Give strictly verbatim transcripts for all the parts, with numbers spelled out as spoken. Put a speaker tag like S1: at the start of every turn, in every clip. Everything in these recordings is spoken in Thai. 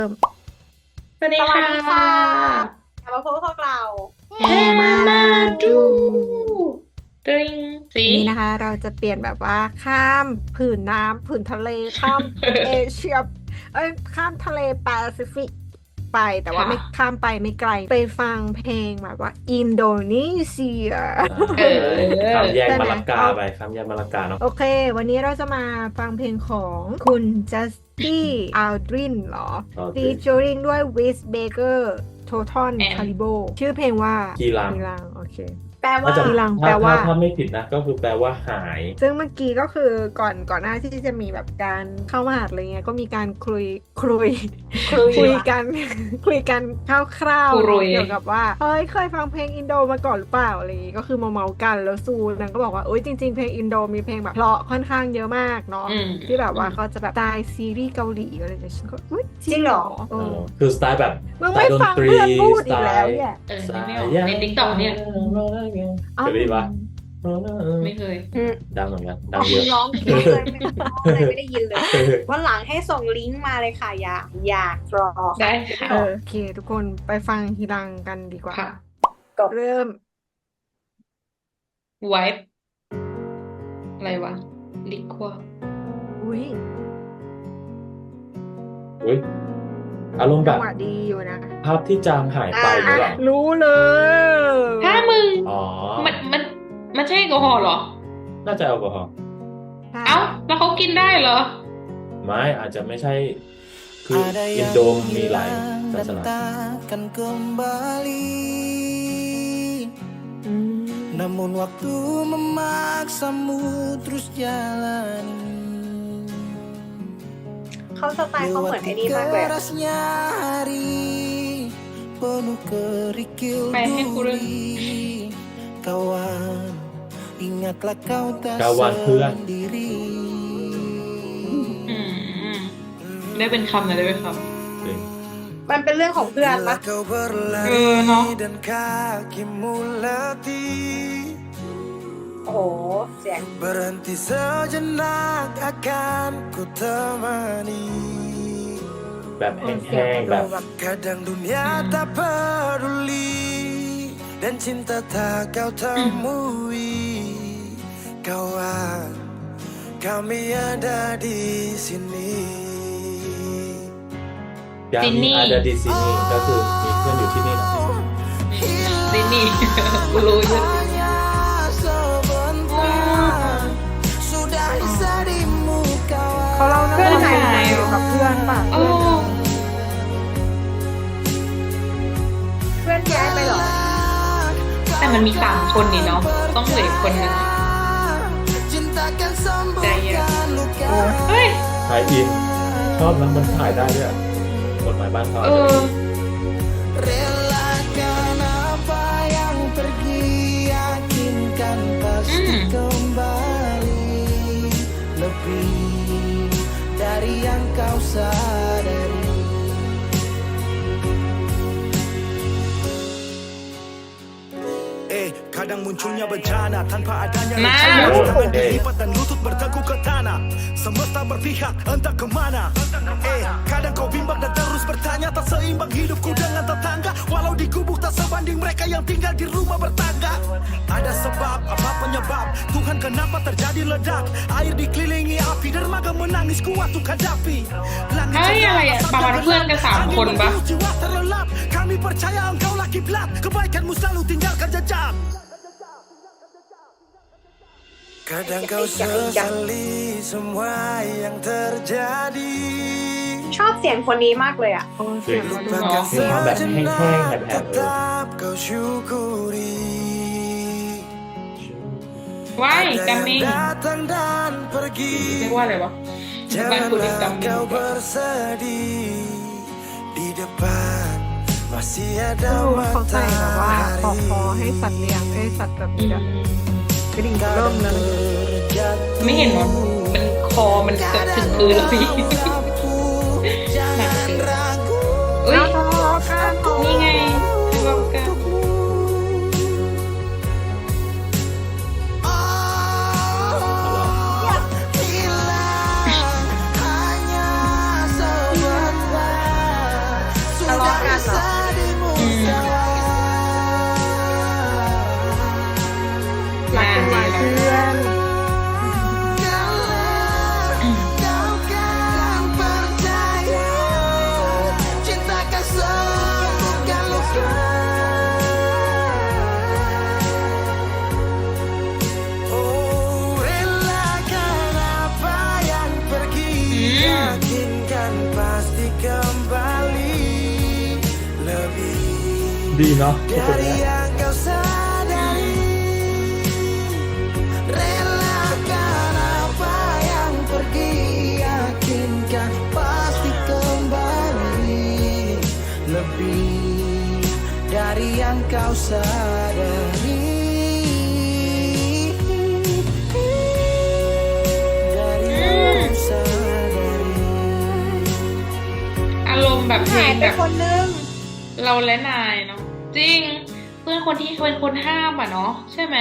S1: สวัสดี
S2: สวั
S1: ค่
S2: สดีค่ะ
S1: ะ
S2: กลับมาพบกับพวกเรา
S1: แฮมาดูดริงสี
S3: วันนี้นะคะเราจะเปลี่ยนแบบว่าข้ามผืนน้ำผืนทะเลข้ามเอเชียเอ้ยข้ามทะเลแปซิฟิกไปแต่ว่า
S1: ค่ะ
S3: ไม่ข้ามไปไม่ไกลไปฟังเพลงแบบว่าอินโดนีเซีย
S1: เออ
S4: ข้ามแยก
S3: ใช่ไหม
S4: มาลากา
S3: เอา
S4: ไปข้ามแยกมาลากาเนาะ
S3: โอเค วันนี้เราจะมาฟังเพลงของคุณจัสตี้อัลดรินเหรอ
S4: โอเค
S3: featuring ด้วยวิสเบเกอร์โททอน
S1: And
S3: คาริโบชื่อเพลงว่า
S4: กีรัง
S3: กีรังโอเค
S2: แปลว่า
S4: ถ้าจะ
S3: กีรัง
S4: ถ้า
S3: แปลว่า
S4: ถ้าถ้าไม่ผิดนะก็คือแปลว่าหาย
S3: ซึ่งเมื่อกี้ก็คือก่อนก่อนหน้าที่จะมีแบบการเข้ามหาลัยเงี้ยก็มีการคุยคุย
S2: คุย
S3: คุยกัน คุยกันคร่าวๆ
S1: คุย
S3: เกี่ยวกับว่าเฮ้ยเคยฟังเพลงอินโดมาก่อนหรือเปล่าอะไรอย่างงี้ก็คือมาเมาๆกันแล้วซูนางก็บอกว่าโอ๊ยจริงๆเพลงอินโดมีเพลงแบบเพราะค่อนข้างเยอะมากเนาะ
S1: อืม
S3: ที่แบบว่าเขาจะแบบสไตล์ซีรีส์เกาหลีอะไรอย่างเงี้ยฉันก็อุ๊ยจ
S2: จริ
S3: ริง
S2: ง
S3: เห
S2: เห
S3: ร
S2: ร
S3: อ
S2: อ
S3: เอ
S4: เอ
S3: อ
S4: อคือสไตล์แบบ
S3: มึงไม่ฟังเพื่อนพูดอีกแล้วเนี่ย
S1: เออ
S4: สไต
S1: ไม่
S4: ล์
S1: ออกในติ๊กต็อกเนี่ย
S3: อ้าว
S4: เคยได้ยินปะ
S1: ไม่เคย
S2: อืม
S4: ดังเหมือนกันดั
S2: อ๋
S4: ง
S2: อ
S4: เย
S2: คุ
S4: อะ
S2: ณร้องเพลงเลยไม่อะไรไม่ได้ยินเลยวันหลังให้ส่งลิงก์มาเลยค่ะ อยากอยากรอ
S1: ได้ค่ะ
S3: เออโอเค ทุกคนไปฟังทีรังกันดีกว่า
S1: ค่ะ
S3: เริ่ม
S1: ไวป์อะไรวะ ลิควา
S3: อุ้ย
S4: อุ้ยอารมณ์แบ
S3: จัง
S4: บ
S3: หวะดีอยู่นะ
S4: ภาพที่จางหายไปหรือเปล่า
S3: รู้เลย
S1: ถ้ามึง
S4: อ๋อ
S1: มันมันมันใช่แอลกอฮอล์เหรอ
S4: น่าจะแอลกอฮอล์
S3: ใช่
S1: เอ้า แล้วเขากินได้เหรอ
S4: ไม่อาจจะไม่ใช่ คืออินโดมมีหลายศาสนา
S5: takkan kembali.
S3: อืม
S5: Namun waktu memaksamu terus jalani.
S2: เขาสไตล์เขาเหมือนไอ้นี่
S5: Lewati
S2: มากเลย
S5: kerasnya hari penuh kerikil
S1: Kayak Hekuren.
S5: duri. Kawan, ingatlah kau tak
S4: Kawan พื่อน
S5: sendiri.
S1: อืม ได้เป็นคำนะได้เป็นค
S4: จริง
S2: มันเป็นเรื่องของเพื่อน
S5: Bila
S2: ปะ
S5: kau
S1: Eh,
S5: berlari
S1: no.
S5: dan kakimu letih,
S2: โอ้โห เสียง
S5: berhenti sejenak akan ku temani.
S4: แบบแ
S3: เสีย
S4: ห้
S3: ง
S4: ง
S3: มัน
S4: ๆ แบบ
S3: ดูแบบ
S5: Kadang dunia tak peduli dan cinta tak kau temui. Kawan, kami ada di sini.
S4: ยามนี้อาจจะดีซีนี่ก็คือมีเพื่อนอยู่ที่นี่นะ
S1: ำดินี่ กูรู้อยู่
S5: Hanya sebentar sudah bisa di muka.
S3: เขาเล่า
S1: เพื่
S3: เรื่
S1: อ
S3: อน ง
S1: หาย
S3: เกี่ยวกับเพื่อนป่ะ
S1: โอ้
S3: เพื่อน
S2: เพื่อนย้ายไปเหรอ
S1: แต่มันมีสามคนนี่เนาะ ต้องเหลืออีกคนหนึง
S5: Cinta akan sembuhkan luka.
S1: เฮ้ย
S4: ถ่ายอิน ชอบแล้วมันถ่ายได้ด้วยอะกฎหมายบ้านเขา
S1: เออ
S5: Relakan apa yang pergi, yakinkan pasti
S1: Hmm.
S5: kembali lebih dari yang kau sadari. Eh, kadang munculnya bencana tanpa adanya
S1: Nah.
S5: rencana. Tangan
S4: Oke.
S5: dilipat dan lutut bertekuk ke tanah. Semesta berpihak entah kemana. Eh, kadang kau bimbang dan terus bertanya, tak seimbang hidupku dengan tetangga. Walau di gubuk tak sebanding mereka yang tinggal di rumah bertangga. Ada sebab, apa penyebab? Tuhan kenapa terjadi ledak? Air dikelilingi api, dermaga menangis kuat untuk hadapi. Langit
S1: เฮ้ย
S5: cerah,
S1: อะไรอะ
S5: asap
S1: ประมาณ
S5: gelap.
S1: เพื่อนกันสาม
S5: Angin
S1: คนปะ
S5: membius jiwa terlelap. Kami percaya engkau laki pelat. Kebaikanmu selalu tinggalkan jejak. Kadang kau sesali semua yang terjadi.
S2: ชอบเสียงคนนี้มากเลยอ่ะ
S3: โอ้เสียงมันดู
S4: มีความแบบแห้งๆแหบๆเลย
S5: tetap kau syukuri.
S1: ว้าย
S5: Ada
S1: กัม
S5: yang
S1: มิง
S5: datang dan pergi.
S1: เรียกว่าอะไรวะบ้านกูเรียกกัม
S5: Janganlah
S1: มิง
S5: kau bersedih. Di depan masih
S3: ไม่
S5: ada
S3: รู้ว่าเขาใส่แบบว่าปอก
S5: matahari.
S3: คอให้สัตว์เลี้ยงให้สัตว์แบบ
S1: อื
S3: นี้
S1: ม
S3: กระดิ่งเริ่มเลย
S5: Terjatuh
S1: ไม่เห็นว่ามันคอมันเกือบถึงพื้นแล้วพี่
S5: lampu. Jangan ragu.
S1: เอ้ย
S3: ทะเลาะกัน
S1: นี่ไงทะเลาะกัน
S5: Hilang hanya sebentar.
S3: รักกันไว้เพื่อน
S4: ดีเนาะทุกคนเนี่ย
S5: dari yang kau sadari, dari yang kau sadari.
S1: อารมณ์แบบเพล
S2: หาย
S1: ง
S2: ไป
S1: แบบ
S2: คนนึง
S1: เราและนายเนาะจริง เพื่อนคนที่เป็นคนห้ามอ่ะเนาะใช่ไหม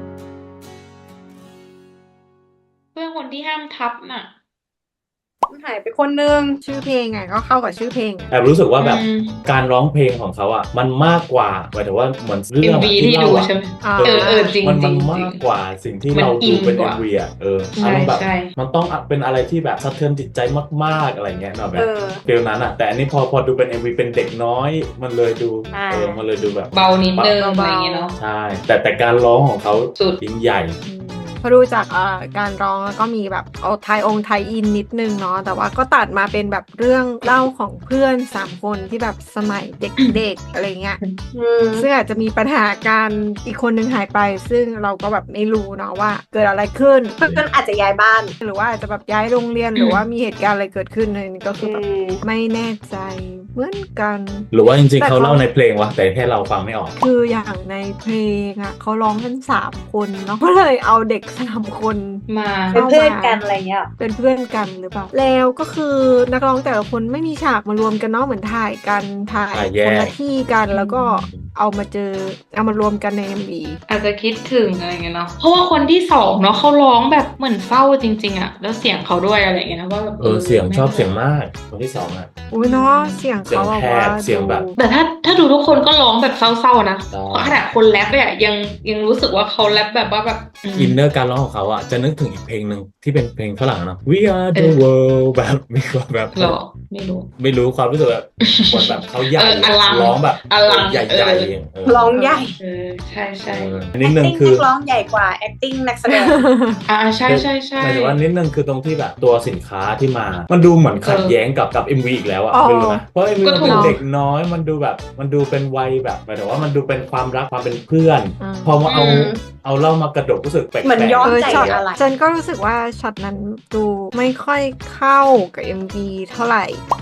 S1: เพื่อนคนที่ห้ามทับน่ะ
S2: หายไปคนนึง
S3: ชื่อเพลงไงก็เข้ากับชื่อเพลง
S4: แอบรู้สึกว่าแบบ
S1: อืม
S4: การร้องเพลงของเขาอ่ะมันมากกว่าหมายถึงว่าเหมือนเรื่
S1: เอ็
S4: อ
S1: ม
S4: ง
S1: วี
S4: ที่
S1: ที่ดู
S4: เล่าอ่ะ
S1: ใช่ไหม
S3: อ่า
S1: เออเออจริง
S4: มัน
S1: จริ
S4: มัน
S1: ง
S4: มากกว่าสิ่งที่
S1: มัน
S4: เรา
S1: อิ
S4: ดู
S1: น
S4: เป็น
S1: ก
S4: เอ็
S1: ว่า
S4: มวีอ่ะเออ
S1: ใช่
S4: อารมณ์แบบ
S1: ใช่
S4: มันต้องเป็นอะไรที่แบบสะเทือนจิตใจมากๆอะไรเงี้ยเนาะแบ
S2: เอบ อ
S4: ฟีลนั้นอ่ะแต่อันนี้พอพอดูเป็น เอ็ม วี เป็นเด็กน้อย มันเลยดู
S2: อ่า
S4: เออมันเลยดูแบบ
S1: เบานิดนึง
S3: เบาๆ
S1: อะไรอย่างเงี้ยเนาะ
S4: ใช่ แต่แต่การร้องของเขา
S1: สุด
S4: ยิ่งใหญ่
S3: พอดูจากเอ่อการร้องแล้วก็มีแบบเอาไทยองค์ไทยอินนิดนึงเนาะแต่ว่าก็ตัดมาเป็นแบบเรื่องเล่าของเพื่อนสามคนที่แบบสมัยเด็กๆ อะไรเงี้ย
S2: อืม
S3: ซึ่งอาจจะมีปัญหาการอีกคนนึงหายไป ซึ่งเราก็แบบไม่รู้เนาะว่าเกิดอะไรขึ้น
S2: เพื่อนอาจจะย้ายบ้าน
S3: หรือว่าอาจจะแบบย้ายโรงเรียนหรือว่ามีเหตุการณ์อะไรเกิดขึ้นอะไรนี้ก็คือแบบ
S2: อืม
S3: ไม่แน่ใจเหมือนกัน
S4: หรือว่าจริง
S3: แต่
S4: ๆเขา
S3: เขา
S4: เล่าในเพลงวะแต่แค่เราฟังไม่ออก
S3: คืออย่างในเพลงอ่ะเขาร้องกันสามคนเนาะก็เลยเอาเด็กสามคน
S1: มา
S2: เป็นเพื่อนกันอะไรเงี้ย
S3: เป็นเพื่อนกันหรือเปล่า แล้วก็คือนักร้องแต่ละคนไม่มีฉากมารวมกันเนาะเหมือนถ่ายกันถ่าย
S4: ถ่ายแยก
S3: คนละที่กันแล้วก็เอามาเจอเอามารวมกันใน เอ็ม วี
S1: อาจจะคิดถึงอะไรเงี้ยเนาะเพราะว่าคนที่สองเนาะเขาร้องแบบเหมือนเศร้าจริงๆอะแล้วเสียงเขาด้วยอะไรเงี้ยนะว่าแบบ
S4: เออเสียงชอบเสียงมากคนที่สองอ่ะ
S3: อุ้ยเนาะเสียงเขาแบบว่า
S4: เสียงแหบเสียงแบบ
S3: ดู
S1: แต่ถ้าถ้าดูทุกคนก็ร้องแบบเศร้าๆนะ
S4: ใช่
S1: เพราะขนาดคนแรปเนี่ยยังยังรู้สึกว่าเขาแรปแบบว่าแบบอืม
S4: อินเนอร์การร้องของเขาอ่ะจะนึกถึงอีกเพลงหนึ่งที่เป็นเพลงฝรั่งเนาะ We are
S1: เอ
S4: the
S1: อ
S4: world แบบมีความแบบ
S1: หรอไม่รู้
S4: ไม่รู้ความรู้สึกแบบเหมือนแบบเขาใหญ่
S1: เอออลัง
S4: ร้องแบบ
S1: อลัง
S4: ใหญ่
S1: เอ
S4: ใหญ่
S1: อ
S2: ร้องใหญ่
S1: เออใช่ใช่
S4: นิดนึง
S2: acting
S4: คือ
S2: นักร้องใหญ่กว่า acting นักแสดง
S1: อ่าใช่ใช่ใช่
S4: หมายถึงว่านิดนึงคือตรงที่แบบตัวสินค้าที่มา มันดูเหมือนขัดแย้งกับกับ เอ็ม วี อีกแล้วอ่ะ
S3: อ๋อ
S4: ไม่รู้นะเพราะ เอ็ม วี
S1: ก็
S4: มัน
S1: ถูก
S4: เป็นเด็กน้อยมันดูแบบมันดูเป็นวัยแบบหมายถึงว่ามันดูเป็นความรักความเป็นเพื่อน
S3: อืม
S4: พอมาเอา
S1: อืม
S4: เอาเล่ามากระดกรู้สึกแปลกๆ
S2: เหมือนย้อม
S3: เออ
S2: ใจ
S3: ช็อต
S2: อะไร
S3: ฉันก็รู้สึกว่าช็อตนั้นดูไม่ค่อยเข้ากับ เอ็ม วี เท่าไหร่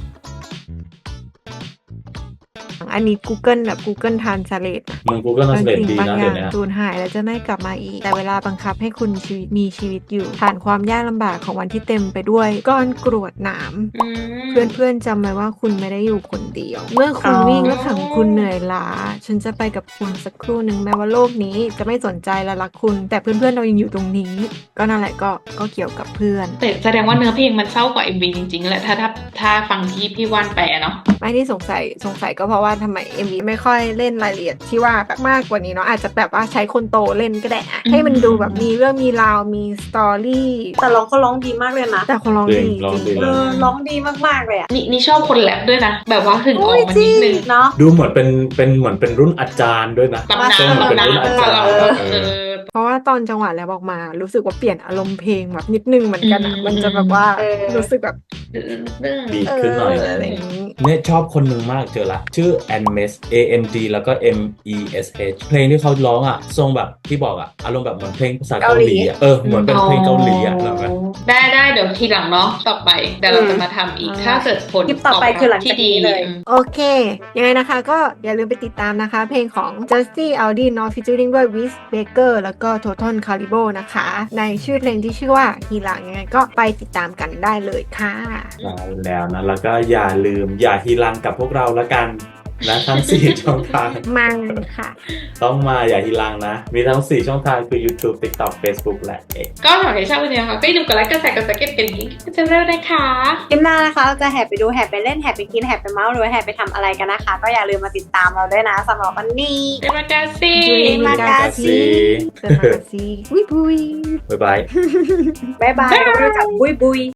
S3: อันนี้ Google แบบ Google Translate นะ
S4: มึงกูก็น่า
S3: บาง
S4: เสด็จ
S3: สิ่ง
S4: ดี
S3: บาง
S4: นะ
S3: อ
S4: เดี๋
S3: ย่าย ง
S4: วนี้
S3: สูญหายแล้วจะไม่กลับมาอีก แต่เวลาบังคับให้คุณชีวิตมีชีวิตอยู่ผ่านความยากลำบากของวันที่เต็มไปด้วยก้อนกรวดหนาม
S1: อืม
S3: เพื่อนๆจำไว้ว่าคุณไม่ได้อยู่คนเดียว เมื่อคุณ
S2: อ๋อ
S3: วิ่งและขังคุณเหนื่อยล้า ฉันจะไปกับคุณสักครู่หนึ่งแม้ว่าโลกนี้จะไม่สนใจและรักคุณ แต่เพื่อนๆเรายังอยู่ตรงนี้ ก็นั่นแหละก็ก็เกี่ยวกับเพื่อน
S1: แต่แสดงว่าเนื้อเพลงมันเศร้ากว่า เอ็ม วี จริงๆแหละถ้าถ้าถ้าฟังที่พี่ว่านแปลเนาะ
S3: ไม่ที่สงสัยสงสัยก็เพราะว่าทำไม เอ็ม วี ไม่ค่อยเล่นรายละเอียดที่ว่าแบบมากกว่านี้เนาะอาจจะแบบว่าใช้คนโตเล่นก็ได้อะให้มันดูแบบมีเรื่องมีราวมีสตอรี่
S2: แต่ร้องเขาร้องดีมากเลยนะ
S3: แต่คนร้องดี
S4: ร้อง
S3: จ
S4: ดี
S3: ริง
S2: เออร้องดีมากๆเลยอ่ะ
S1: นี่นี่ชอบคนแรปด้วยนะ แบบว่าถึงออกมานิดนึง
S2: เนาะ
S4: ดูเหมือนเป็นเป็นเหมือนเป็นรุ่นอาจารย์ด้วยนะ
S1: ตำนาน
S4: ทรงเหมือนเป็น
S1: ตำนาน
S4: รุ่นอาจารย์
S1: เออ
S4: เอ
S1: เอ
S4: อ
S1: อ
S3: เพราะว่าตอนจังหวะแล้วออกมา รู้สึกว่าเปลี่ยนอารมณ์เพลงแบบนิดนึงเหมือนกันอะ
S1: อืม
S3: มันจะแบบว่า
S2: เออ
S3: รู้สึกแบบ
S4: ดีขึ้นหน่อย
S3: เอะไรอย่างนี้
S4: เนี่ยชอบคนหนึ่งมากเจอละ ชื่อ a n m e s A N D แล้วก็ M E S H เพลงที่เขาร้องอ่ะทรงแบบที่บอกอ่ะอารมณ์แบบเหมือนเพลงภาษาเกาหลีอ่ะเออเหมือนเป็นเพลงเกาหลีอ่ะเหรอไหม
S1: ได้ได้เดี๋ยวทีหลังเนาะต่อไปเดี๋ยวเราจะมาทำอีก
S3: อืม
S1: ถ้าเกิดผล
S2: คลิปต่อไปคือหลัง
S1: ที่
S2: จาก
S1: ดี
S2: นี้เลย
S1: อืม
S3: โอเค ยังไงนะคะก็อย่าลืมไปติดตามนะคะ เพลงของ Justin Alden เนาะ featuring ด้วย Wiz Baker แล้วก็ Total Calibo นะคะ ในชื่อเพลงที่ชื่อว่าฮีหลังยังไงก็ไปติดตามกันได้เลยค่ะ
S4: ใช่แล้วนะแล้วก็อย่าลืมอย่าฮีรังกับพวกเราละกันนะทั้ง สี่ ช่องทาง
S3: มังค่ะ
S4: ต้องมาอย่าฮิลังนะ มีทั้ง สี่ ช่องทางคือ YouTube TikTok Facebook และ X
S1: ก็หากใครชอบวันนี้นะคะก็อย่าลืมกดไลค์กดแชร์กดซับสไครต์กันยิ่งจะเร็วนะคะ
S2: คลิปหน้านะคะเราจะแห่ไปดูแห่ไปเล่นแห่ไปกินแห่ไปเมาส์หรือว่าแห่ไปทำอะไรกันนะคะ ก็อย่าลืมมาติดตามเราด้วยนะสำหรับวันนี้
S1: เดมากาซี
S2: มากาซี
S3: เซอร์มากาซีบุยบุย
S4: บ๊ายบาย
S2: บ๊ายบายเราจะบุยบุย